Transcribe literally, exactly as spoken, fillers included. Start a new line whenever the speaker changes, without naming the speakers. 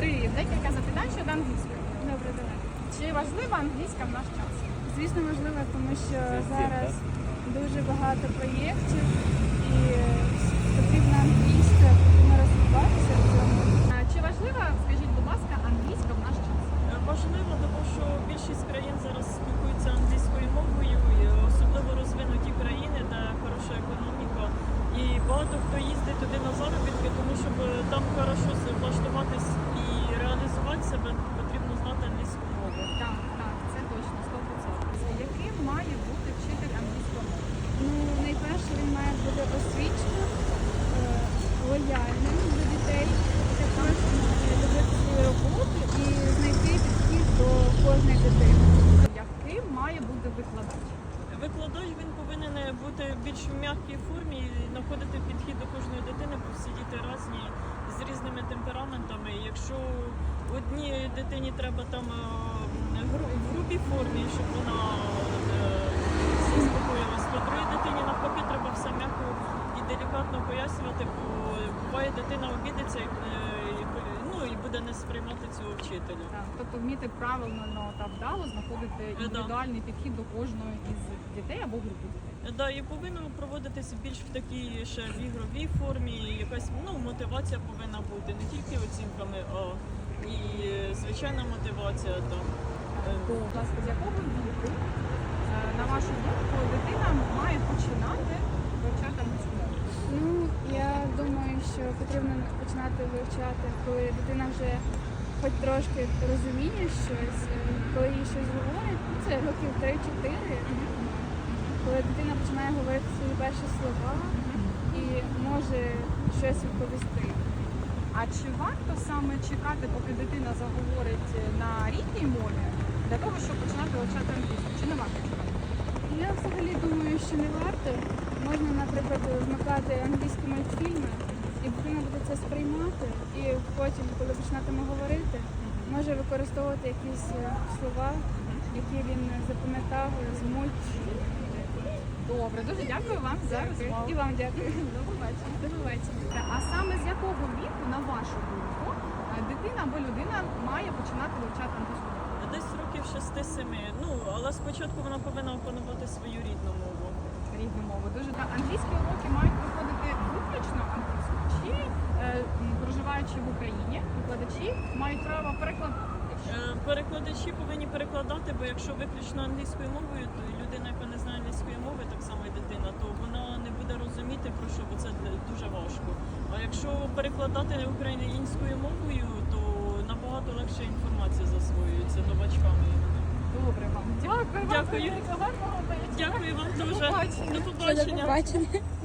Привіт, декілька запитань щодо англійської.
Добре, давай.
Чи важлива англійська в наш час?
Звісно, важливо, тому що зараз дуже багато проєктів і потрібна англійська, потрібно розвиватися в цьому.
А Чи важлива, скажіть, будь ласка, англійська в наш час?
Важливо, тому що більшість країн зараз спілкуються англійською мовою, і особливо розвинуті країни, де хороша економіка. І багато хто їздить туди на заробітки, тому щоб там хорошо влаштуватись і реалізувати себе, потрібно знати англійську мову.
Так, так, це точно, сто відсотків. Яким має бути вчитель англійської мови?
Ну, найперше він має бути освіченим, е, лояльним до дітей, також має любити свою роботу і знайти підхід до кожної дитини.
Яким має бути викладач?
Викладач він повинен бути більш в м'якій формі і знаходити підхід до кожної дитини, бо всі діти різні, з різними темпераментами. І якщо одній дитині треба там е, гру- в грубій формі, щоб вона е, заспокоїлась, то другій дитині навпаки треба все м'яко і делікатно пояснювати, бо буває дитина обідеться і, е, і, ну, і буде не сприймати цього вчителя.
Так, тобто вміти правильно ну, та вдало знаходити індивідуальний підхід до кожної із дітей або групи дітей.
Да, і повинно проводитися більш в такій ще в ігровій формі, якась ну, мотивація повинна бути, не тільки оцінками, а і звичайна мотивація. Там.
Будь ласка, з якого віку, е, на вашу думку, дитина має починати вивчати англійську мову?
Ну, я думаю, що потрібно починати вивчати, коли дитина вже хоч трошки розуміє щось, е, коли їй щось говорять, ну, це років три-чотири, коли дитина починає говорити свої перші слова і може щось відповісти.
А чи варто саме чекати, поки дитина заговорить на рідній мові, для того, щоб починати вивчати англійську? Чи не варто чекати?
Я взагалі думаю, що не варто. Можна, наприклад, вмикати англійські мультфільми, і дитина буде це сприймати, і потім, коли починатиме говорити, може використовувати якісь е, слова, які він запам'ятав з мультфільмів.
Добре, дуже дякую вам за розмову.
І вам дякую.
До побачення.
До побачення.
А саме з якого віку, на вашу думку, е, дитина або людина має починати вивчати англійську мову?
Десь років шести-семи. Ну, але спочатку вона повинна опанувати свою рідну мову.
Рідну мову. Дуже так. Англійські уроки мають проходити виключно англійською, чи е, м, проживаючи в Україні, викладачі мають право перекладати.
Е, Перекладачі повинні перекладати, бо якщо виключно англійською мовою, то людина, яка не знає англійської мови, так само і дитина, то вона не буде розуміти про що, бо це дуже важко. А якщо перекладати українською мовою, то набагато легше інформація засвоюється новачками.
Добре вам. Дякую.
Дякую.
Вам. Гарного вечора.
Дякую вам дуже.
побачення.
До побачення.
До побачення.